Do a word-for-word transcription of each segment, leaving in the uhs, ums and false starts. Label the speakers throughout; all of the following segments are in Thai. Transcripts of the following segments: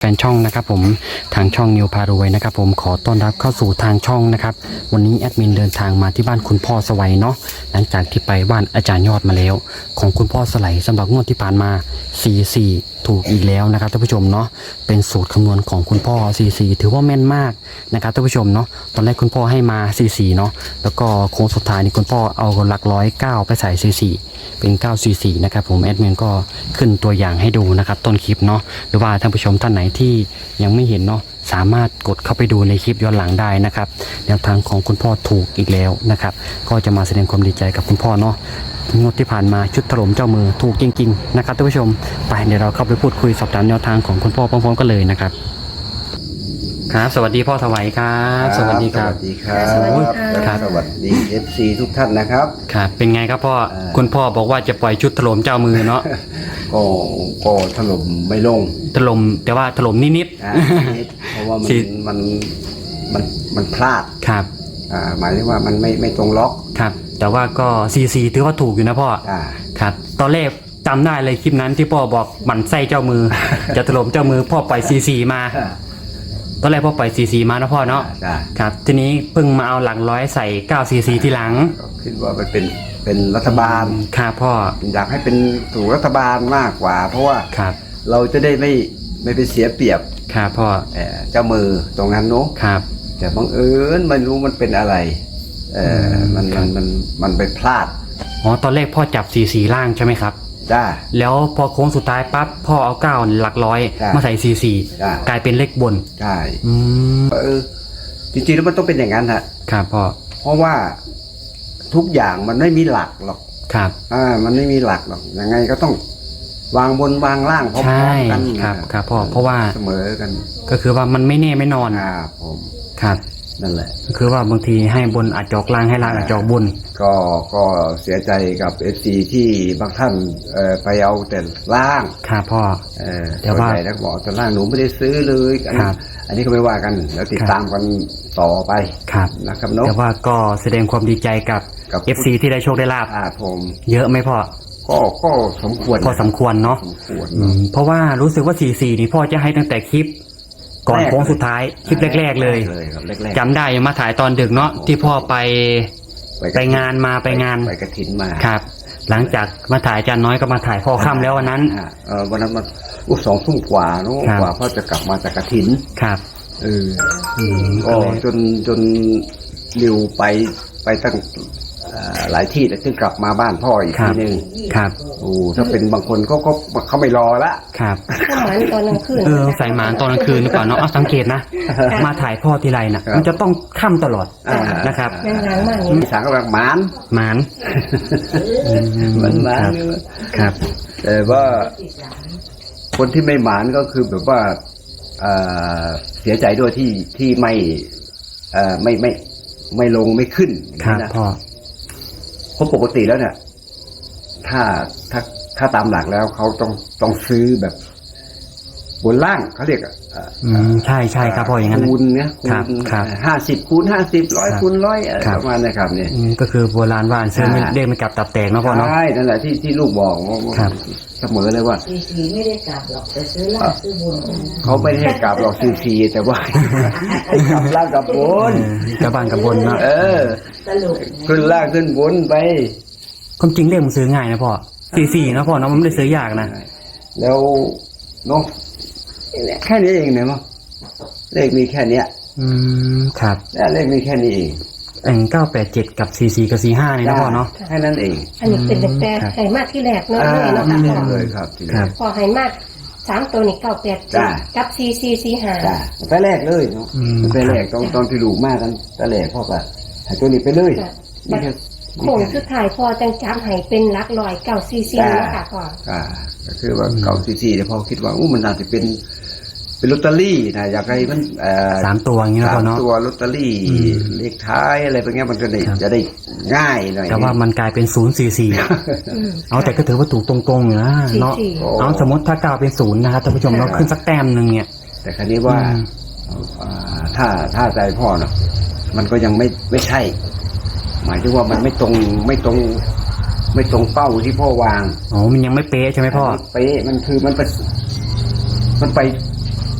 Speaker 1: แฟนช่องนะครับผมทางช่องนิวพารวยนะครับผมขอต้อนรับเข้าสู่ทางช่องนะครับวันนี้แอดมินเดินทางมาที่บ้านคุณพ่อสวัยเนาะหลังจากที่ไปบ้านอาจารย์ยอดมาแล้วของคุณพ่อสไลสำหรับงวดที่ผ่านมาสี่สิบสี่ถูกอีกแล้วนะครับท่านผู้ชมเนาะเป็นสูตรคำนวณของคุณพ่อสี่สิบสี่ถือว่าแม่นมากนะครับท่านผู้ชมเนาะตอนแรกคุณพ่อให้มาสี่สิบสี่เนาะแล้วก็โค้งสุดท้ายนี่คุณพ่อเอาหลักร้อยเก้าไปใส่สี่สิบสี่เป็นเก้าสี่สี่นะครับผมแอดมินก็ขึ้นตัวอย่างให้ดูนะครับต้นคลิปเนาะหรือว่าท่านผู้ชมท่านไหนที่ยังไม่เห็นเนาะสามารถกดเข้าไปดูในคลิปย้อนหลังได้นะครับแนวทางของคุณพ่อถูกอีกแล้วนะครับก็จะมาแสดงความดีใจกับคุณพ่อเนาะงวดที่ผ่านมาชุดถล่มเจ้ามือถูกจริงๆนะครับท่านผู้ชมไปเดี๋ยวเราเข้าไปพูดคุยสอบถามแนวทางของคุณพ่อพร้อมๆกันเลยนะครับครับสวัสดีพ่อถวายครับสวัสดีครับ
Speaker 2: สวัสดีครับ
Speaker 3: สวัสดีค่ะ
Speaker 2: สวัสดีเอฟซีทุกท่านนะครับ
Speaker 1: ครับเป็นไงครับพ่อคุณพ่อบอกว่าจะปล่อยชุดถล่มเจ้ามือเนาะ
Speaker 2: ก็ก็ถล่มไม่ลง
Speaker 1: ถล่มแต่ว่าถล่มนิด
Speaker 2: นะนิดเพราะว่ามัน
Speaker 1: สิ
Speaker 2: มันมันมันพลาด
Speaker 1: ๆครับ
Speaker 2: อ่าหมายถึงว่ามันไม่ไม่ตรงล็อก
Speaker 1: ครับแต่ว่าก็ซีซีถือว่าถูกอยู่นะพ่อ
Speaker 2: อ่า
Speaker 1: ครับตอนแรกจำได้เลยคลิปนั้นที่พ่อบอกหมั่นไส้เจ้ามือ จะถล่มเจ้ามือพ่อปล่อยซีซีมาตอนแรกพ่อปล่อยซีซีมานะพ่อเนาะ
Speaker 2: ได้
Speaker 1: ครับทีนี้เพิ่งมาเอาหลังร้อยใส่เก้าซีซีทีหลัง
Speaker 2: ก็คิดว่ามันเป็นเป็นรัฐบาล
Speaker 1: ครับพ่อ
Speaker 2: อยากให้เป็นถูกรัฐบาลมากกว่า เพราะว่า
Speaker 1: ครับ
Speaker 2: เราจะได้ไม่ไม่ไปเสียเปรียบ
Speaker 1: ครับพ่อ
Speaker 2: เอ่อเจ้ามือตรงนั้นเนาะ
Speaker 1: ครับ
Speaker 2: แต่บังเอิญไม่รู้มันเป็นอะไรเออมันมันมันมันไปพลาด
Speaker 1: อ๋อตอนแรกพ่อจับซีซีล่างใช่ไหมครับ
Speaker 2: จ้า
Speaker 1: แล้วพอโค้งสุดท้ายปั๊บพ่อเอาเก้าหลักร้อย
Speaker 2: จ้ะ
Speaker 1: มาใส่ซีซี
Speaker 2: จ้ะ
Speaker 1: กลายเป็นเลขบน
Speaker 2: ใช่
Speaker 1: อืม
Speaker 2: เออจริงๆแล้วมันต้องเป็นอย่างนั้นฮะ
Speaker 1: ครับพ่อ
Speaker 2: เพราะว่าทุกอย่างมันไม่มีหลักหรอก
Speaker 1: ครับ
Speaker 2: อ่ามันไม่มีหลักหรอกยังไงก็ต้องวางบนวางล่างพร้อ
Speaker 1: ใช่
Speaker 2: มๆกัน
Speaker 1: ครับครับพ่อเพราะว่า
Speaker 2: เสมอกัน
Speaker 1: ก็คือว่ามันไม่แน่ไม่นอน
Speaker 2: อ่าผม
Speaker 1: ครับ
Speaker 2: นั่นแหละ
Speaker 1: ก็คือว่าบางทีให้บนอาจจอกล่างให้ล่างอาจจอกบน
Speaker 2: ก็ก็เสียใจกับเอฟซีที่บางท่านเอ่อไปเอาแต่ล่าง
Speaker 1: ครับพ่อ
Speaker 2: เออ
Speaker 1: แต่ว่า
Speaker 2: ส่นใหญ่แล้วบอกแต่ล่างหนูไม่ได้ซื้อเลยอัน
Speaker 1: ครับ
Speaker 2: อันนี้ก็ไม่ว่ากันแล้วติด
Speaker 1: ครับ
Speaker 2: ตามกันต่อไป
Speaker 1: ครับ
Speaker 2: นะครับเนาะ
Speaker 1: แต่ว่าก็แสดงความดีใจกับ
Speaker 2: กับ
Speaker 1: เอฟ ซี ที่ได้โชคได้ลาบ
Speaker 2: อ่าผม
Speaker 1: เยอะไหมพ่อ
Speaker 2: ก็ก็สมควร
Speaker 1: พอสมควรเนาะ
Speaker 2: สมควร
Speaker 1: อืมเพราะว่ารู้สึกว่าสี่สี่นี่พ่อจะให้ตั้งแต่คลิป ก่อน
Speaker 2: แรก
Speaker 1: โค้งสุดท้ายคลิปแรกๆเลย
Speaker 2: เลยครับแรกๆ
Speaker 1: จำได้ยังมาถ่ายตอนดึกเนาะที่พ่อไป
Speaker 2: กระ
Speaker 1: ไป
Speaker 2: ถิ่
Speaker 1: งานมาไปงาน
Speaker 2: ไปกระถินมา
Speaker 1: ครับ หลังจากมาถ่ายอาจารย์น้อยก็มาถ่ายพ่อค่ำแล้ววันนั้น
Speaker 2: อ่าเออวันนั้นมันอุ้สองทุ่มกว่าเนาะ
Speaker 1: ครับ
Speaker 2: กว่าพ่อจะกลับมาจากกระถิน
Speaker 1: ครับ
Speaker 2: เออ
Speaker 1: อืม
Speaker 2: ก็
Speaker 1: ก็เลย
Speaker 2: จนจนริวไปไปตั้งเอ่อหลายที่แล้วถึงกลับมาบ้านพ่ออีก
Speaker 1: ครั
Speaker 2: ที
Speaker 1: บ
Speaker 2: นึง
Speaker 1: ครับ
Speaker 2: โอ้ถ้าเป็นบางคนก็ก็เขาไม่รอละ
Speaker 1: ครับ
Speaker 3: ข้าวหมานตอนกลางคืน
Speaker 1: เออใส่หมานตอนกลางคืนหรือเปล่าเนาะเอาสังเกตนะ มาถ่ายพ่อทีไรน่ะ มันจะต้องค่ำตลอด
Speaker 2: อ่า
Speaker 1: นะครับ
Speaker 3: ยังล้างมาก
Speaker 2: มี
Speaker 3: นี่
Speaker 2: สางกำลังหมาน
Speaker 1: หมาน
Speaker 2: เหมือนหมาน
Speaker 1: ครับ ครับ
Speaker 2: แต่ว่าคนที่ไม่หมานก็คือแบบว่าเอ่อเสียใจด้วยที่ที่ไม่เอ่อไม่ไม่ไม่ลงไม่ขึ้น
Speaker 1: ครับ
Speaker 2: นะ
Speaker 1: พ่อ
Speaker 2: เพราะปกติแล้วเนี่ย ถ้าถ้าถ้าตามหลักแล้วเขาต้องต้องซื้อแบบบนล่างเขาเรียกอ่ะ
Speaker 1: อืมใช่ใช่ครับพ่ออย่างนั้น
Speaker 2: คูณเนี่ย
Speaker 1: ครับ
Speaker 2: คูณ
Speaker 1: ครับ
Speaker 2: ห้าสิบคูณห้าสิบร้อย
Speaker 1: ครับ
Speaker 2: คูณร้อยอะไร
Speaker 1: ครับ
Speaker 2: ประมาณนี้ครับเนี่ย
Speaker 1: อืมก็คือโบราณว่าซื้อไม่
Speaker 2: อ่า
Speaker 1: เรียกไม่กลับตับแตกเนาะพ่อเนาะ
Speaker 2: ใช่นั่นแหละที่ที่ลูกบอกว่า
Speaker 1: ครับ
Speaker 2: เสมอเลยว่า
Speaker 4: สีสีไม่ได้กลับหรอกแต่ซื้อล่างซื้อบุญกันนะ
Speaker 2: เขาไม่ได้ให้กลับหรอกซีซีแต่ว่า ให้กลับล่างกลับบ
Speaker 1: เอน อกลับบ้านกับบนเนาะ
Speaker 2: เออ
Speaker 4: ตลก
Speaker 2: ขึ้นล่างขึ้นบนไป
Speaker 1: ความจริงเลขมันซื้อง่ายนะพ่อสี่สี่นะพ่อเนาะมันไม่ได้ซื้อยากนะ
Speaker 2: แล้วเนาะแค่นี้เองเนี่ยมั้งเลขมีแค่เนี้ย
Speaker 1: อืมครับ
Speaker 2: และเลขมีแค่นี้เอง
Speaker 1: เอ็งเก้าแปดเจ็ดกับสี่สี่กับสี่ห้านี่นะพ่อเนาะ
Speaker 2: แค่นั้นเอง
Speaker 3: อันนี้เป็นแต่
Speaker 1: ครับ
Speaker 3: ไห่มากที่แรกเนาะ
Speaker 2: อ่า
Speaker 3: เลยเนาะค่ะพ่อ
Speaker 2: เลยครับที
Speaker 1: ครั
Speaker 2: นี้
Speaker 1: บ
Speaker 3: พอไห่มากสามตัวนี่เก้าแปด
Speaker 2: จ้ะ
Speaker 3: กับซีซีซีหา
Speaker 2: จ้าไปแรกเลยเนาะ
Speaker 1: อืม
Speaker 2: ไปแรกตอนตอนที่ลูกมากันไปแรกพ่อก็ใหายตัวนี้ไปเลย
Speaker 3: จ้ะ
Speaker 2: นี่แค่
Speaker 3: โค้งสุดท้ายพอจังจับไห่เป็นหลักลอยเก้าซีซีเนาะค่ะพ่อ
Speaker 2: อ่าก็คือว่าเก่าซีซีแต่พอคิดว่าอู้มันน่าจะเป็นเป็นลอตเตอรี่นะอยากให้มันเอ่อ
Speaker 1: สามตัวอย่างนี้นะ
Speaker 2: สา
Speaker 1: พ่อ
Speaker 2: ม
Speaker 1: เนาะ
Speaker 2: ตัวลอตเตอรี่
Speaker 1: อืม
Speaker 2: เลขท้ายอะไรแบบเนี้ยมันจะได้
Speaker 1: ครับ
Speaker 2: จะได้ง่ายหน่อย
Speaker 1: แต่ว่ามันกลายเป็นศูนย์สี่สี่
Speaker 3: อืม
Speaker 1: เอาแต่ก็ถือว่าถูกตรงๆอยู่นะเนาะ
Speaker 3: สี่สี่
Speaker 1: เอาสมมติถ้าเก้าเป็นศูนย์นะครับท่านผู้ชมเราขึ้นสักแต้มหนึ่งเนี่ย
Speaker 2: แต่ครั้นี้ว่า
Speaker 1: อืม
Speaker 2: อ่าถ้าถ้าใจพ่อเนาะมันก็ยังไม่ไม่ใช่ หมายถึงว่ามันไม่ตรงไม่ตรง ไม่ตรงเป้าที่พ่อวาง
Speaker 1: อ๋อมันยังไม่เป๊ะใช่ไหมพ่อ
Speaker 2: เป๊ะมันคือมันไปมันไป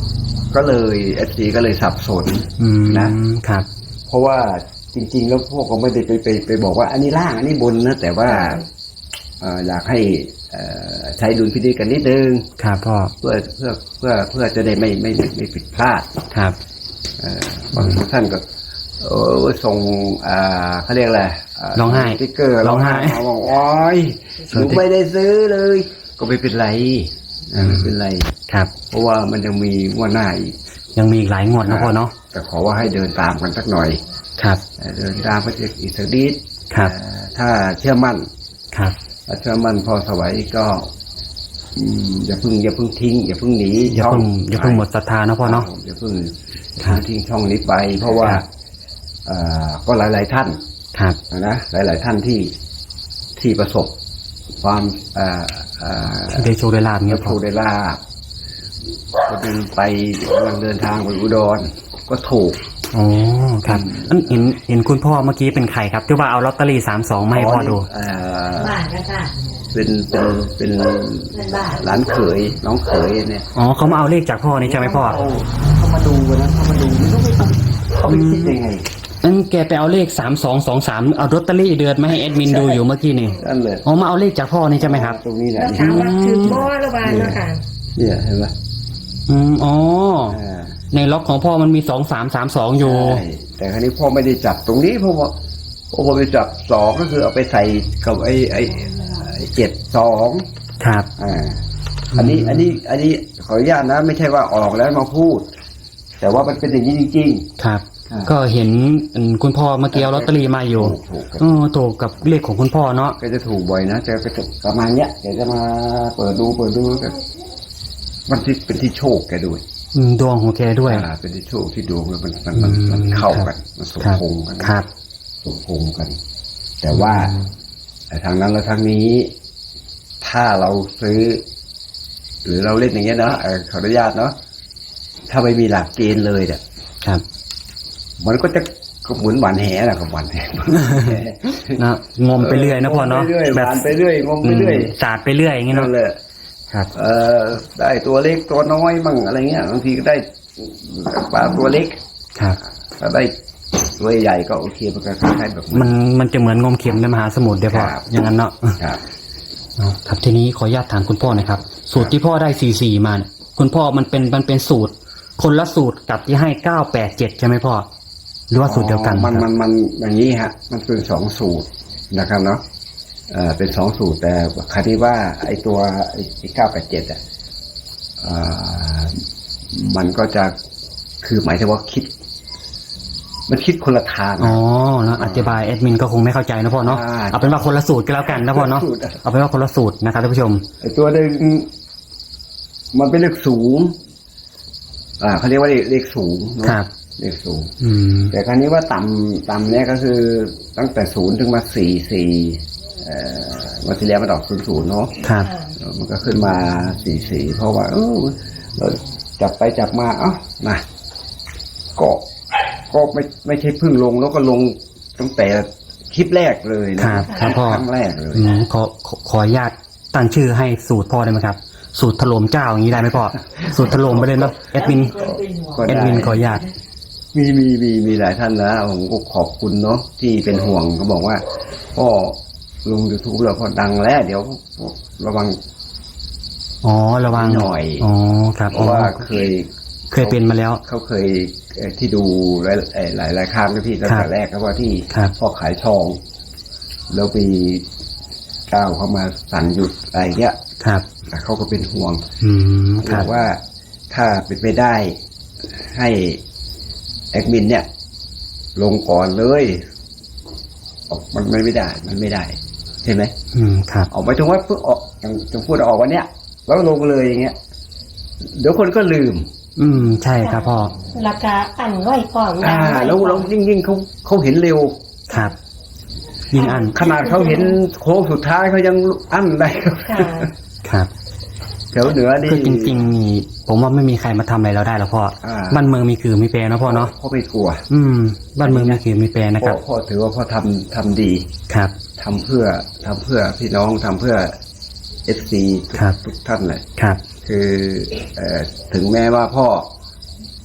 Speaker 2: ก็เลยเอฟซีก็เลยสับสน
Speaker 1: อืม
Speaker 2: นะ
Speaker 1: ครับ
Speaker 2: เพราะว่าจริง ๆ แล้วพวกก็ไม่ได้ไปไปไปบอกว่าอันนี้ล่างอันนี้บนนะแต่ว่าเอ่ออยากให้เอ่อใช้ดุลพินิจกันนิดนึง
Speaker 1: ครับพ่อ
Speaker 2: เพื่อเพื่อเพื่อเพื่อจะได้ไม่ไม่ไม่ไม่ผิดพลาด
Speaker 1: ครับ
Speaker 2: เอ่อบางท่านก็เออส่งอ่าเขาเรียกอะไรา
Speaker 1: ร้องไห้
Speaker 2: สติ๊กเกอร์
Speaker 1: ร้องไห้
Speaker 2: มาบอกโอ้ยหนูไม่ได้ซื้อเลย ก็ไม่เป็นไรอ่าไม่เป็นไร
Speaker 1: ครับ
Speaker 2: เพราะว่ามันยังมีงวดหน้าอีก
Speaker 1: ยังมีอีกหลายงวดนะพ่อเนาะ
Speaker 2: แต่ขอว่าให้เดินตามกันสักหน่อย
Speaker 1: ครับ
Speaker 2: เอ่อเดินตามไปอีกสักนิด
Speaker 1: ครับ
Speaker 2: เอ่อถ้าเชื่อมั่น
Speaker 1: ครับ
Speaker 2: ถ้าเชื่อมั่นพอสวัยก็อืมอย่าเพิ่งอย่าเพิ่งทิ้งอย่าเพิ่งหนี
Speaker 1: อย่าเพิ่ง
Speaker 2: ช่
Speaker 1: อย่าเพิ่งหมดศรัทธานะพ่อเนาะ
Speaker 2: ครับผมอย่าเพิ่ง
Speaker 1: ครับ
Speaker 2: ทิ้งช่องนี้ไป เพราะว่า
Speaker 1: ครับ
Speaker 2: เอ่อก็หลาย ๆ ท่าน
Speaker 1: ครับ
Speaker 2: นะหลาย ๆ ท่านที่ที่ประสบความเอ่อเอ่อ
Speaker 1: ที่ได้โชว์ได้ลาบ
Speaker 2: เงี้
Speaker 1: เงี้
Speaker 2: ย
Speaker 1: ย
Speaker 2: โช
Speaker 1: พ่อ
Speaker 2: ได้ลาบคนหนึงไปกำลังเดินทางไปอุดรก็ถูก
Speaker 1: อ๋อครับอันเห็นเห็นคุณพ่อเมื่อกี้เป็นใครครับที่ว่าเอาลอตเตอรี่สามสองมาให้พ่อดู
Speaker 2: เอ่อ
Speaker 4: บ้านก็ค่ะ
Speaker 2: เป็นเป็นเป็น
Speaker 4: เป็นบ้าน
Speaker 2: หลานเขยน้องเขยเนี่ย
Speaker 1: อ๋อเขามาเอาเลขจากพ่อนี่ใช่ไหมพ่อ
Speaker 2: เขาเขามาดูกันนะเขามาดูไม่รู้ไม่เขาไปคิดยังไง
Speaker 1: นั่นแกไปเอาเลขสามสองสองสามเอาลอตเตอรี่เดือนมาให้แอดมินดูอยู่เมื่อกี้นี่
Speaker 2: นั่นเลย
Speaker 1: อ๋อมาเอาเลขจากพ่อนี่ใช่ไหมครับ
Speaker 2: ตรงนี้แหละ
Speaker 3: แล้วถามว่าถือบ่หรือว่าเนาะค่ะ
Speaker 2: เนี่ยเห็นไหม
Speaker 1: อืมอ๋อ
Speaker 2: อ่า
Speaker 1: ในล็อกของพ่อมันมีสองสามสามสองอยู่
Speaker 2: ใช่แต่ครั้นี้พ่อไม่ได้จับตรงนี้เพราะว่าพ่อไปจับสองก็คือเอาไปใส่กับไอ้ไอ้ไอ้เจ็ดสอง
Speaker 1: ครับ
Speaker 2: อ่าอันนี้อันนี้อันนี้ขออนุญาตนะ ไม่ใช่ว่าออกแล้วมาพูด แต่ว่ามันเป็นอย่างนี้จริง
Speaker 1: ครับ
Speaker 2: อ่า
Speaker 1: ก็เห็นอืมคุณพ่อเมื่อกี้เอาลอตเตอรี่มาอยู่
Speaker 2: ถูกถูก
Speaker 1: เออถูกกับเลขของคุณพ่อเนาะ
Speaker 2: ก็จะถูกบ่อยนะจะไปถูกประมาณเนี้ยแกจะมาเปิดดูเปิดดูแบบมันที่เป็นที่โชคแกด้วย
Speaker 1: อืมดวงของแกด้วย
Speaker 2: อ่าเป็นที่โชคที่ดวงมันมันมันมันมันเข้ากันมันสม
Speaker 1: ครับ
Speaker 2: พงษ์กัน
Speaker 1: ครับ
Speaker 2: สมพงษ์กัน แต่ว่าแต่ทางนั้นและทางนี้ ถ้าเราซื้อ หรือเราเล่นอย่างเงี้ยเนาะเอ่อขออนุญาตเนาะถ้าไม่มีหลักเกณฑ์เลยเนี่ย
Speaker 1: ครับ
Speaker 2: มันก็จะก็เหมือนหวานแหนะกับหวานแห
Speaker 1: นะงมไปเรื่อยนะพ่อเนาะ
Speaker 2: งมไปเรื่อยห
Speaker 1: แบบ
Speaker 2: วานไปเรื่อยงมไปเรื่อย
Speaker 1: อืมสาดไปเรื่อยอย่างงี้
Speaker 2: นั่
Speaker 1: เนาะ
Speaker 2: นแหละ
Speaker 1: ครับ
Speaker 2: เอ่อได้ตัวเล็กตัวน้อยมั่งอะไรเงี้ยบางทีก็ได้ปลาตัวเล็ก
Speaker 1: ครับ
Speaker 2: ถ้าได้ตัวใหญ่ก็โอเคมันก็คล้ายๆแบบ
Speaker 1: มันมันจะเหมือนงมเข็มในมหาสมุทรเดี๋ยวพ่อ
Speaker 2: ครับ
Speaker 1: อย่างนั้นเนาะ
Speaker 2: ครับ
Speaker 1: อ๋อครับทีนี้ขออนุญาตถามคุณพ่อหนะครับ สูตรที่พ่อได้สี่สี่มาเนี่ยคุณพ่อมันเป็นมันเป็นสูตร คนละสูตรกับที่ให้เก้าแปดเจ็ดใช่ไหมพ่อหรือว่าสูตรเดียวกัน
Speaker 2: มัน
Speaker 1: ค
Speaker 2: มั
Speaker 1: รับ
Speaker 2: นมันอย่างนี้ฮะ มันเป็นสองสูตรนะครับเนาะเอ่อเป็นสองสูตรแต่คดีว่าไอ้ตัวไอ้เก้าแปดเจ็ดอ่ะเอ่อมันก็จะคือหมายถึงว่าคิด มันคิดคนละทาง
Speaker 1: อ๋อนะอธิบายแอดมินก็คงไม่เข้าใจนะพ่อเนาะ
Speaker 2: อ่า
Speaker 1: เอาเป็นว่าคนละสูตรก็แล้วกันนะพ่อเนาะ
Speaker 2: สูตรอะ
Speaker 1: เอาเป็นว่าคนละสูตรนะครับท่านผู้ชม
Speaker 2: ไอ้ตัวหนึ่งมันเป็นเลขสูง อ่าเขาเรียกว่าเลขเลขสูงเนอะ
Speaker 1: ครับ
Speaker 2: เลขสูง
Speaker 1: อืม
Speaker 2: แต่ครั้นี้ว่าต่ำต่ำเนี่ยก็คือตั้งแต่ศูนย์ถึงมาสี่สี่เอ่อวันที่แล้วมันออกศูนย์ศูนย์เนาะ
Speaker 1: ครับ
Speaker 2: มันก็ขึ้นมาสี่สี่เพราะว่าเออเราจับไปจับมาเอ้านะก็ก็ไม่ไม่ใช่เพิ่งลงแล้วก็ลงตั้งแต่คลิปแรกเลยนะครับ
Speaker 1: ครับพ่อ
Speaker 2: ครั้งแรกเลย
Speaker 1: อืมขอขอขออนุญาตตั้งชื่อให้สูตรพ่อได้ไหมครับ สูตรถล่มเจ้าอย่างนี้ได้ไหมพ่อ สูตรถล่มไปเลยเนาะแอดมิน
Speaker 2: ก็
Speaker 1: แอด
Speaker 2: ได้
Speaker 1: มินขออนุญาต
Speaker 2: มีมีมีมีหลายท่านนะผมก็ขอบคุณเนาะที่เป็นห่วงเขาบอกว่าพ่อลงยูทูบแล้วพอดังแล้ว เดี๋ยวระวัง
Speaker 1: อ๋อระวัง
Speaker 2: หน่อย
Speaker 1: อ๋อครับ
Speaker 2: เพราะว่าเคย
Speaker 1: เคยเป็นมาแล้ว
Speaker 2: เขาเคยเอ่อที่ดูหลายเอ่อหลายหลายครั้งนะพี่ตั้ง
Speaker 1: ครั
Speaker 2: แต่
Speaker 1: บ
Speaker 2: แรกครับว่าที่
Speaker 1: ครับ
Speaker 2: พ่อขายทอง แล้วมีเจ้าเขามาสั่งหยุดอะไรเงี้ย
Speaker 1: ครับ
Speaker 2: แต่เขาก็เป็นห่วง
Speaker 1: อืมค
Speaker 2: บ
Speaker 1: รั
Speaker 2: อบ กว่าถ้าเป็นไปได้ให้แอดมินเนี่ย ลงก่อนเลยออกมันมันไม่ได้ มันไม่ได้ใช่ไหม
Speaker 1: อืมครับ
Speaker 2: ออกไปถึงว่าเพิ่งออกอย่างจะพูดออกวันเนี้ยแล้วลงเลยอย่างเงี้ย เดี๋ยวคนก็ลืม
Speaker 1: อืมใช่ครับพ่อ
Speaker 3: ราคาอันไว้ก่อน
Speaker 2: อ่า แล้วแล้วยิ่งยิ่งเขาเขาเห็นเร็ว
Speaker 1: ครับ ยิงอัน
Speaker 2: ขนาดเขาเห็นโค้งสุดท้ายเขายังอั้นได้
Speaker 3: ค่ะ
Speaker 1: ครับ
Speaker 2: แถวเหนือนี่
Speaker 1: คือจริงๆนี่ผมว่าไม่มีใครมาทำอะไรเราได้หรอกพ่อ
Speaker 2: อ่า
Speaker 1: บ้านเมืองมีคือมีแปรนะพ่อเนาะ
Speaker 2: พ่อไม่กลัว
Speaker 1: อืม บ้านเมืองมีคือมีแปรนะค
Speaker 2: พ่อ
Speaker 1: รับ
Speaker 2: พ่อถือว่าพ่อทำทำดี
Speaker 1: ครับ
Speaker 2: ทำเพื่อทำเพื่อพี่น้องทำเพื่อเอฟซี
Speaker 1: ครับ
Speaker 2: ทุกท่านเลย
Speaker 1: ครับ
Speaker 2: คือเอ่อถึงแม้ว่าพ่อ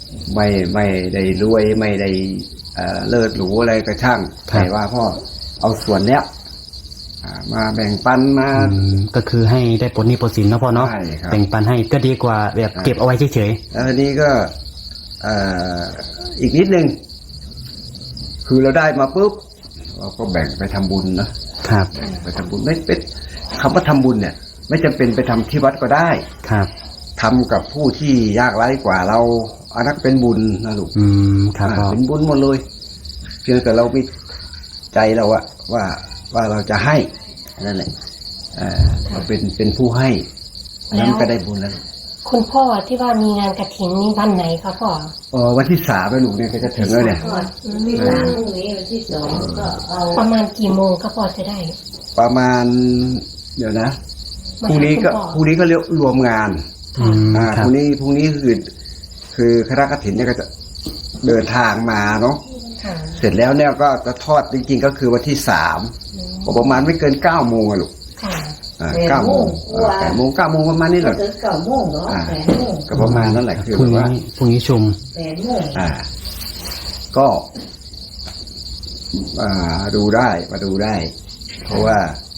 Speaker 2: ไม่ไม่ได้รวยไม่ได้เอ่อเลิศหรูอะไรก็ช่างแต่ว่าพ่อเอาส่วนเนี้ยอ่ามาแบ่งปันมา
Speaker 1: อืมก็คือให้ได้ผลนี่ผลสินนะพ่อเนาะ
Speaker 2: ใช่ครับ
Speaker 1: แบ่งปันให้ก็ดีกว่าแบบเก็บเอาไว้เฉย
Speaker 2: แล้วทีนี้ก็เอ่ออีกนิดนึงคือเราได้มาปุ๊บเราก็แบ่งไปทำบุญนะครับ ไปทำบุญไม่เป็นคำว่าทำบุญเนี่ย ไม่จำเป็นไปทำที่วัดก็ได้
Speaker 1: ครับ
Speaker 2: ทำกับผู้ที่ยากไร้กว่าเราอันนั้นเป็นบุญนะลูก
Speaker 1: อืมครับพ่อ
Speaker 2: อ่าเป็นบุญหมดเลย เพียงแต่เรามีใจเราอะว่าว่าเราจะให้นั่นแหละเอ่อเราเป็นเป็นผู้ให้อันนั้นก็ได้บุญแล้ว
Speaker 3: คุณพ่อที่ว่ามีงานกฐินนี่วันไหนคะพ่อ
Speaker 2: เออวันที่สามไปลูกเนี่ยก็จะถึงแล้วเนี่ย
Speaker 4: ที่สามพรุ่งนี้วันที่สองก็เอา
Speaker 3: ประมาณกี่โมงก็พอจะได้
Speaker 2: ประมาณเดี๋ยวนะ
Speaker 3: มา
Speaker 2: พรุ่งนี้ก็
Speaker 3: หาคุณพ่อ
Speaker 2: พรุ่งนี้ก็เรียกรวมงาน
Speaker 1: อืม
Speaker 2: อ่า
Speaker 1: ค
Speaker 2: พ
Speaker 1: รับ
Speaker 2: รุ่งนี้พรุ่งนี้คือคือคณะกฐินเนี่ยก็จะเดินทางมาเนาะ
Speaker 3: ค่ะ
Speaker 2: เสร็จแล้วเนี่ยก็จะทอดจริงๆก็คือวันที่สามประมาณไม่เกินเก้าโมงอะลูก
Speaker 3: ค่ะ
Speaker 2: อ่าเก้าโมงอ่าแปดโมงเก้าโมงประมาณนี้แห
Speaker 4: ก็
Speaker 2: ละ
Speaker 4: ถึงเก้าโมงเนาะแปดโมง
Speaker 2: ก็ประมาณนั้นแหละคือ
Speaker 1: พรุ่ง
Speaker 2: ว่า
Speaker 1: นี้พรุ่งนี้ชุม
Speaker 4: แปดโมง
Speaker 2: อ่า ก็ อ่าดูได้มาดูได้ เพราะว่า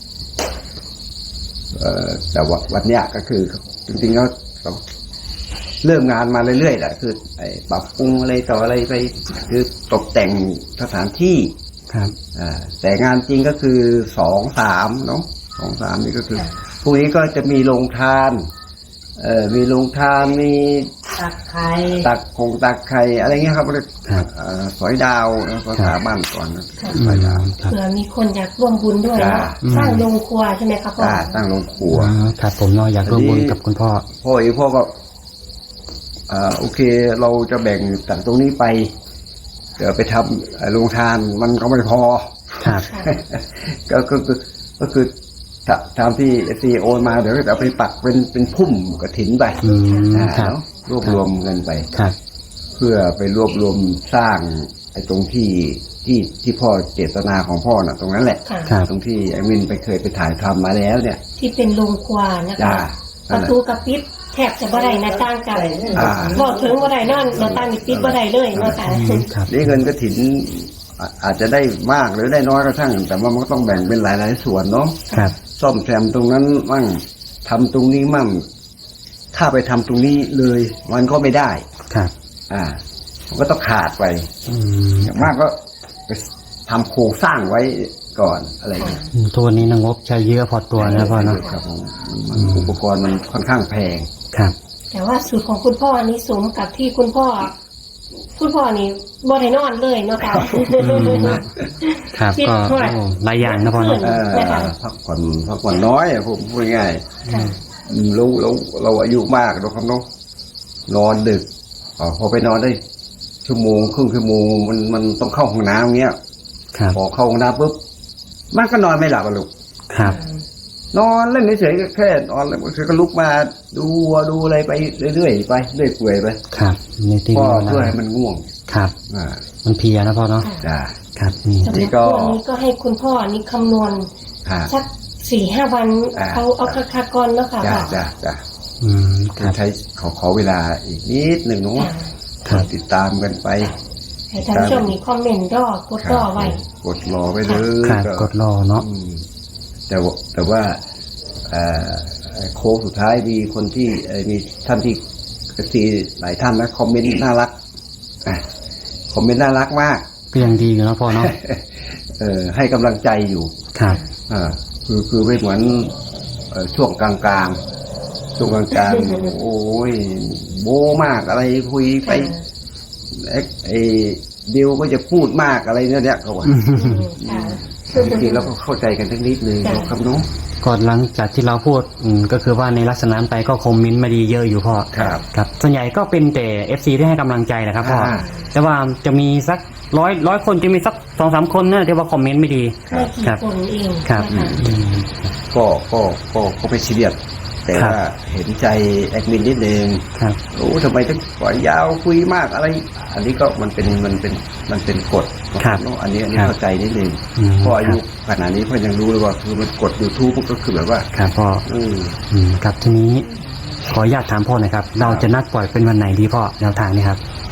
Speaker 2: เอ่อแต่ว่าวันเนี้ยก็คือ จริงๆก็เราเริ่มงานมาเรื่อยๆแหละคือไอ้ปรับปรุงอะไรต่ออะไรไป คือตกแต่งสถานที่
Speaker 1: ครับ
Speaker 2: อ่าแต่งานจริงก็คือสองสามเนาะสองสามนี่ก็คือพรุ่งนี้ก็จะมีโรงทาน เอ่อมีโรงทานมี
Speaker 4: ตักไข่
Speaker 2: ตักคงตักไข่อะไรเงี้ยครับเรียก
Speaker 1: ครับ
Speaker 2: เอ่อสอยดาวนะภาษาบ้านก่อนนะ
Speaker 1: อื
Speaker 2: สอย
Speaker 1: ม
Speaker 2: ดาว
Speaker 1: ครับ
Speaker 3: เผื่อมีคนอยากร่วมบุญด้วยเนาะ
Speaker 2: จ้า
Speaker 3: สร้างโรงครัวใช่ไหมคะพ่อ
Speaker 2: อ่าตั้งโรงครัว
Speaker 1: อ๋อครับผมเนาะอยากร่วมบุญกับคุณพ่อ
Speaker 2: พ่อเองพ่อก็อ่าโอเค เราจะแบ่งจากตรงนี้ไป เดี๋ยวไปทำเอ่อโรงทานมันก็ไม่พอ
Speaker 1: ครับ
Speaker 3: ค่ะ
Speaker 2: ก็ก็คือก็คือถ้าตามที่ซีโอนมาเดี๋ยวก็จะเอาไปปักเป็นเป็นพุ่มกระถินไป
Speaker 1: อืม
Speaker 2: อ่า
Speaker 1: ครับ
Speaker 2: เนอะรวบรวมเงินไป
Speaker 1: ครับ
Speaker 2: เพื่อไปรวบรวมสร้างไอ้ตรงที่ที่ที่พ่อเจตนาของพ่อน่ะ ตรงนั้นแหละ
Speaker 3: ค่ะ
Speaker 1: ครับ
Speaker 2: ตรงที่ไอ้มินไปเคยไปถ่ายทำมาแล้วเนี่ย
Speaker 3: ที่เป็นโรงครัวนะ
Speaker 2: จ้า
Speaker 3: คะป
Speaker 2: นั่น
Speaker 3: ระ
Speaker 2: แหละ
Speaker 3: ตูกระปิดแทบจะบ่ได้หน้าต่างกัน
Speaker 2: อ่า
Speaker 3: บอกถึงบ่ได้นอนหน้าต่างนี่ปิดบ่ได้เลยเนาะค่ะ
Speaker 1: อืมครับ
Speaker 2: นี่เงินกระถินอ่ะอาจจะได้มากหรือได้น้อยก็ช่างแต่ว่ามันก็ต้องแบ่งเป็นหลายๆส่วนเนาะ
Speaker 1: ครับ
Speaker 2: ซ่อมแซมตรงนั้นมั่งทำตรงนี้มั่งถ้าไปทำตรงนี้เลย มันก็ไม่ได้
Speaker 1: ครับ
Speaker 2: อ่า มันก็ต้องขาดไป
Speaker 1: อืม
Speaker 2: อย่างมากก็ไปทำโครงสร้างไว้ก่อนอะไรอย่างเงี้ย
Speaker 1: อืมทุกวันนี้นางงบใช้เยอะพอตัวนะพ่อเนาะ
Speaker 2: ครับผมมันอุปกรณ์มันค่อนข้างแพง
Speaker 1: ครับ
Speaker 3: แต่ว่าสูตรของคุณพ่อนี่สมกับที่คุณพ่อ คุณพ่อนี่บ่ได้นอนเลยเนาะค่ะ
Speaker 1: ครับ
Speaker 3: คิด
Speaker 1: ก็
Speaker 3: ว่า
Speaker 1: โอ้หลายอย่างนะพ่อเนาะ
Speaker 2: เออ
Speaker 3: นะคะ
Speaker 2: พักผ่อนพักผ่อนน้อยอะผมพูดง่าย
Speaker 3: ค่ะ
Speaker 2: ๆอืมเราเราเราอายุมากเราครับเนาะนอนดึกอ๋อพอไปนอนได้ ชั่วโมงครึ่งชั่วโมงมันมันต้องเข้าห้องน้ำเงี้ย
Speaker 1: ครับ
Speaker 2: พอเข้าห้องน้ำปุ๊บมันก็นอนไม่หลับอะลูก
Speaker 1: ครับ
Speaker 2: นอนเล่นเฉยๆแค่นอนแล้วมันก็ลุกมาดูวัวดูอะไรไปเรื่อยๆไปเรื่อยเปื่อยไป
Speaker 1: ครับในที่
Speaker 2: ก็
Speaker 1: นี้นะ
Speaker 2: เพื่อให้มันง่วง
Speaker 1: ครับ
Speaker 2: อ่า
Speaker 1: มันเพลียนะพ่อเนาะ
Speaker 2: จ้า
Speaker 1: ครับนี่
Speaker 3: สำหรับตัวนี้ก็ให้คุณพ่อนี่คำนวณ
Speaker 2: ค่ะ
Speaker 3: สักสี่ห้าวัน
Speaker 2: อ่า
Speaker 3: เอาเอาคักๆก่อนเนาะค่ะ
Speaker 2: จ้า
Speaker 3: ว่า
Speaker 2: จ้าจ้า
Speaker 1: อืมครับ
Speaker 2: ใช้ขอขอเวลาอีกนิดหนึ่งเนาะ
Speaker 3: ค่ะ
Speaker 1: ครับ
Speaker 2: ติดตามกันไป
Speaker 3: ให้ท่านผู้ชมมีคอมเมนต์รอกดรอไว้
Speaker 2: กดรอไว้เลย
Speaker 1: ครับ
Speaker 2: ก็
Speaker 1: กดรอเนาะ
Speaker 2: อืมแต่ว่าแต่ว่าเอ่อโค้งสุดท้ายมีคนที่เอ่อมีท่านที่ทีหลายท่านนะคอมเมนต์น่ารักอ่ะคอมเมนต์น่ารักมาก
Speaker 1: ก็ยังดีอยู่นะพ่อเนาะ
Speaker 2: เออให้กำลังใจอยู่
Speaker 1: ครับ
Speaker 2: อ่าคือคือไม่เหมือนเอ่อช่วงกลางๆช่วงกลางๆ โอ้ยโบมากอะไรคุยไปไอ้ไอ้ดิวก็จะพูดมากอะไรเนี่ยเนี่ยเขาว่า
Speaker 3: ค่ะ
Speaker 2: จริงๆเราก็เข้าใจกันสักนิดนึง
Speaker 3: จ้ะ
Speaker 2: ครับน้อง
Speaker 1: ก่อนหลังจากที่เราพูดอืมก็คือว่าในลักษณะนั้นไปก็คอมเมนต์มาดีเยอะอยู่พ่อ
Speaker 2: ครับ
Speaker 1: ครับส่วนใหญ่ก็เป็นแต่ เอฟ ซี ที่ให้กำลังใจนะครับพ่อ
Speaker 2: อ่า
Speaker 1: แต่ว่าจะมีสักร้อยร้อยคนจะมีสักสองสามคนนะที่ว่าคอมเมนต์ไม่ดี
Speaker 3: ไม่กี่
Speaker 1: ครับ
Speaker 3: คนเอง
Speaker 1: ครับ
Speaker 3: นะคะ
Speaker 1: อืม
Speaker 2: ก็ก็ก็ก็ไม่ซีเรียสแต่
Speaker 1: ครับ
Speaker 2: ว่าเห็นใจแอดมินนิดนึง
Speaker 1: ครับ
Speaker 2: โอ้ทำไมต้องปล่อยยาวคุยมากอะไร อันนี้ก็มันเป็นมันเป็นมันเป็นกฎ
Speaker 1: ครับ
Speaker 2: เนอะอันนี้อันนี้
Speaker 1: ครับ
Speaker 2: เข้าใจนิดนึง
Speaker 1: อืม
Speaker 2: เพราะอายุ
Speaker 1: ครับ
Speaker 2: ขนาดนี้เพื่อนยังรู้เลยว่าคือมันกด YouTube มันก็คือแบบว่า
Speaker 1: ครับพ่อ
Speaker 2: อืม
Speaker 1: อืมครับทีนี้ขออนุญาตถามพ่อหน่อยครับ เราจะนัดปล่อยเป็นวันไหนดีพ่อแนวทางนี้ครับ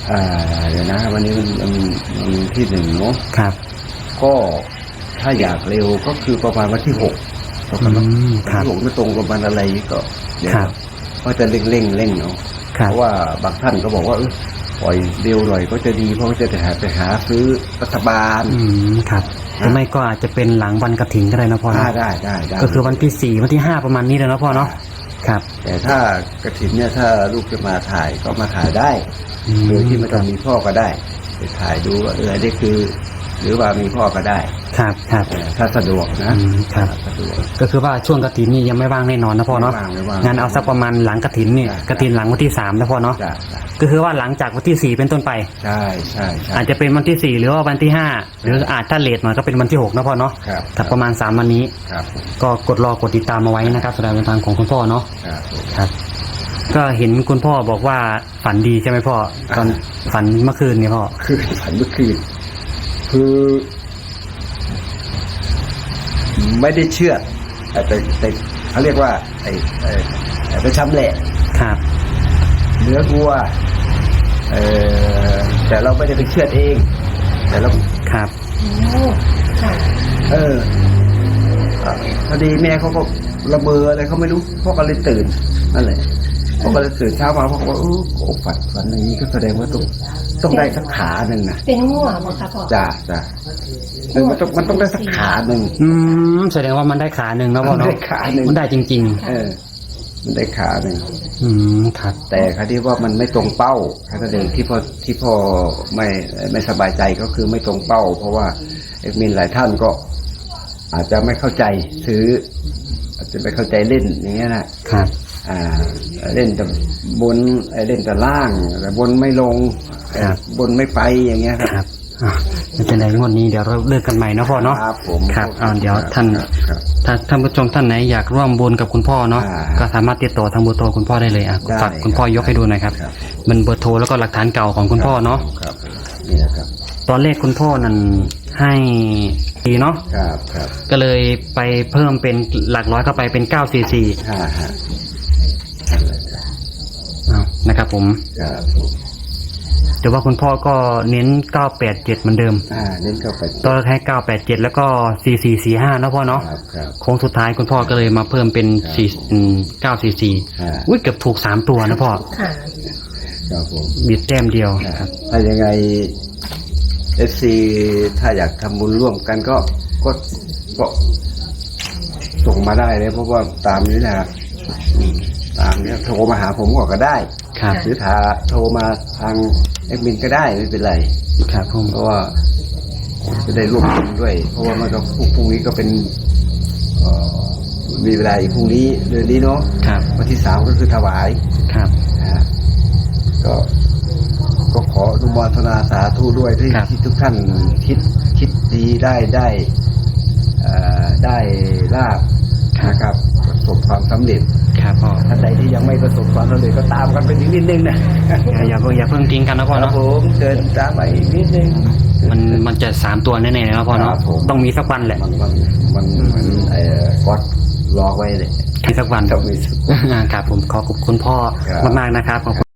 Speaker 2: อ่าเดี๋ยวนะวันนี้มันมันมันที่หนึ่งเนาะ
Speaker 1: ครับ
Speaker 2: ก็ถ้าอยากเร็วก็คือประมาณวันที่หกประมาณวัน
Speaker 1: อืมครับ
Speaker 2: ที่หกไม่ตรงกับวันอะไรก็เดี๋ยว
Speaker 1: ครับ
Speaker 2: ก็จะเร่งเร่งเร่งเนาะ
Speaker 1: ครั
Speaker 2: เพ
Speaker 1: บ
Speaker 2: ราะว่าบางท่านก็บอกว่าเออปล่อยเร็วหน่อยก็จะดีเพราะว่าจะหาไปหาซื้อรัฐบาล
Speaker 1: อืมครับหรือไม่ก็อาจจะเป็นหลังวันกฐินก็ได้นะพ่อ
Speaker 2: อ่า
Speaker 1: เนาะ
Speaker 2: ได้ได้ได้
Speaker 1: ก็คือวันที่สี่วันที่ห้าประมาณนี้เลยนะพ่อเนาะครับ
Speaker 2: แต่ถ้ากระถินเนี่ยถ้าลูกจะมาถ่ายก็มาถ่ายได้
Speaker 1: อืม
Speaker 2: โดยที่ไม่ต้องมีพ่อก็ได้ไปถ่ายดูว่าเอออันนี้คือ หรือว่ามีพ่อก็ได้
Speaker 1: ครับครับ
Speaker 2: เออถ้าสะดวกนะ
Speaker 1: อืมครับ
Speaker 2: สะดวก
Speaker 1: ก็คือว่าช่วงกฐินนี่ยังไม่ว่างแน่นอนนะพ่อเนาะ
Speaker 2: ไม่ว่างไม่ว่าง
Speaker 1: งานเอาสักประมาณหลังกฐินนี่
Speaker 2: จ้ะ
Speaker 1: กฐินหลังวันที่สามนะพ่อเนาะ
Speaker 2: จ้ะจ้ะ
Speaker 1: ก็คือว่าหลังจากวันที่สี่เป็นต้นไป
Speaker 2: ใช่ใช่ใช่
Speaker 1: อาจจะเป็นวันที่สี่หรือว่าวันที่ห้าหรืออาจถ้าเลทหน่อยก็เป็นวันที่หกนะพ่อเนาะ
Speaker 2: ครับ
Speaker 1: ถ้าประมาณสามวันนี้
Speaker 2: ครับ
Speaker 1: ก็กดรอกดติดตามมาไว้นะครับสำหรับแนวทางของคุณพ่อเนาะ
Speaker 2: ครับผม
Speaker 1: ครับ ก็เห็นคุณพ่อบอกว่าฝันดีใช่ไหมพ่อตอนฝันเมื่อคืนเนี่ยพ่อ
Speaker 2: คือฝันเมื่อคืนคือ ไม่ได้เชื่อแต่แต่แต่เขาเรียกว่า ไอ้ไอ้ไอ้ไปชำแหละ
Speaker 1: ครับ
Speaker 2: เนื้อวัวเออแต่เราไม่ได้ไปเชือดเอง แต่เรา
Speaker 1: ครับ
Speaker 3: โอ้ค่ะ
Speaker 2: เอออ่ะพอดีแม่เขาก็ระเบออะไรเขาไม่รู้พ่อก็เลยตื่นนั่นแหละพ่อก็เลยตื่นเช้ามาพ่อก็ว่าเออโอ้ฝันฝันอย่างนี้ก็แสดงว่าต้องต้องได้สักขาหนึ่งนะ
Speaker 3: เป็นง่วงบ่คะพ่อ
Speaker 2: จ้าจ้าเออมันต้องมันต้องได้สักขาหนึ่ง
Speaker 1: อืมแสดงว่ามันได้ขาหนึ่งนะพ่อ
Speaker 2: มัน
Speaker 1: เนาะ
Speaker 2: ได้ขาหนึ่ง
Speaker 1: มันได้จริง
Speaker 2: เออ มันได้ขาหนึ่ง
Speaker 1: ๆ อืมครับ
Speaker 2: แต่คดีว่ามันไม่ตรงเป้าแค่นั้นเองที่พ่อที่พ่อไม่ไม่สบายใจก็คือไม่ตรงเป้า เพราะว่าเอ็กมินหลายท่านก็ อาจจะไม่เข้าใจซื้อ อาจจะไม่เข้าใจเล่นอย่างเงี้ยนะครับ อ่า เล่นแต่บนเล่นแต่ล่างแต่บนไม่ลง
Speaker 1: ครับ
Speaker 2: บนไม่ไปอย่างเงี้ยครับ
Speaker 1: ครับอ่ะไม่เป็นไรงวดนี้เดี๋ยวเราเลิกกันใหม่นะพ่อเนาะ
Speaker 2: ครับผม
Speaker 1: ครับอ่าเดี๋ยวท่าน
Speaker 2: ครับครับ
Speaker 1: ถ้าท่านผู้ชมท่านไหนอยากร่วมบุญกับคุณพ่อเนาะ
Speaker 2: อ่า
Speaker 1: ก็สามารถติดต่อทางเบอร์โทรคุณพ่อได้เลยอ่ะ
Speaker 2: ได้
Speaker 1: ฝากคุณพ่อยกให้ดูหน่อยครับ
Speaker 2: ครับ
Speaker 1: มันเบอร์โทรแล้วก็หลักฐานเก่าของคุณพ่อเนาะ
Speaker 2: ครับนี่นะครับ
Speaker 1: ตอนแรกคุณพ่อนั่นให้ดีเนาะ
Speaker 2: ครับครับ
Speaker 1: ก็เลยไปเพิ่มเป็นหลักร้อยเข้าไปเป็นเก้าสี่สี่
Speaker 2: ห้าฮะ
Speaker 1: นะครับผม
Speaker 2: ครับ
Speaker 1: แต่ว่าคุณพ่อก็เน้นเก้าแปดเจ็ดเหมือนเดิม
Speaker 2: อ่าเน้นเข้าไป
Speaker 1: ตอนแรกให้เก้าแปดเจ็ดแล้วก็สี่สี่สี่ห้านะพ่อเนาะ
Speaker 2: ครับครับ
Speaker 1: โค้งสุดท้ายคุณพ่อก็เลยมาเพิ่มเป็นสี่เก้าสี่สี่
Speaker 2: อ่า
Speaker 1: อุ้ยเกือบถูกสามตัวนะพ่อ
Speaker 3: ค่ะ
Speaker 2: ครับผม
Speaker 1: บิดแต้มเดียว
Speaker 2: ครับ ถ้ายังไงเอฟซีถ้าอยากทำบุญร่วมกันก็ก็ก็ส่งมาได้เลยเพราะว่าตามนี้นะครับอืมตามนี้โทรมาหาผมก็ได้
Speaker 1: ครับ
Speaker 2: หรือถ้าโทรมาทางแอดมินก็ได้ไม่เป็นไร
Speaker 1: ครับผม
Speaker 2: เพราะว่าจะได้ร่วมบุญด้วย เพราะว่ามันก็พรุ่งพรุ่งนี้ก็เป็นเอ่อมีเวลาอีกพรุ่งนี้เดือนนี้เนาะ
Speaker 1: ครับ
Speaker 2: วันที่สามก็คือถวาย
Speaker 1: ครับ
Speaker 2: นะฮะก็ก็ขออนุโมทนาสาธุด้วยที่
Speaker 1: ครับ
Speaker 2: ที่ทุกท่านคิดคิดดีได้ได้เอ่อได้ลาบนะครับประสบความสำเร็จ
Speaker 1: ครับพ่อ
Speaker 2: ท่านใดที่ยังไม่ประสบความสำเร็จก็ตามกันไปอีกนิดนึงนะ
Speaker 1: อย่าอย่าเพิ่งอย่าเพิ่งทิ้งกันนะพ่อ
Speaker 2: ครับ
Speaker 1: เนาะ
Speaker 2: ผมเดินตามไปอีกนิดนึง
Speaker 1: มันมันจะสามตัวแน่ๆนะพ่อเนาะ
Speaker 2: ครับผม
Speaker 1: ต้องมีสักวันแหละ
Speaker 2: มันมันมันมันเอ่อก็รอไว้เลย
Speaker 1: มีสักวัน
Speaker 2: ต้องมีสักวัน
Speaker 1: ครับผมขอขอบคุณพ่อ
Speaker 2: ครับ
Speaker 1: มากๆนะครับขอบคุณ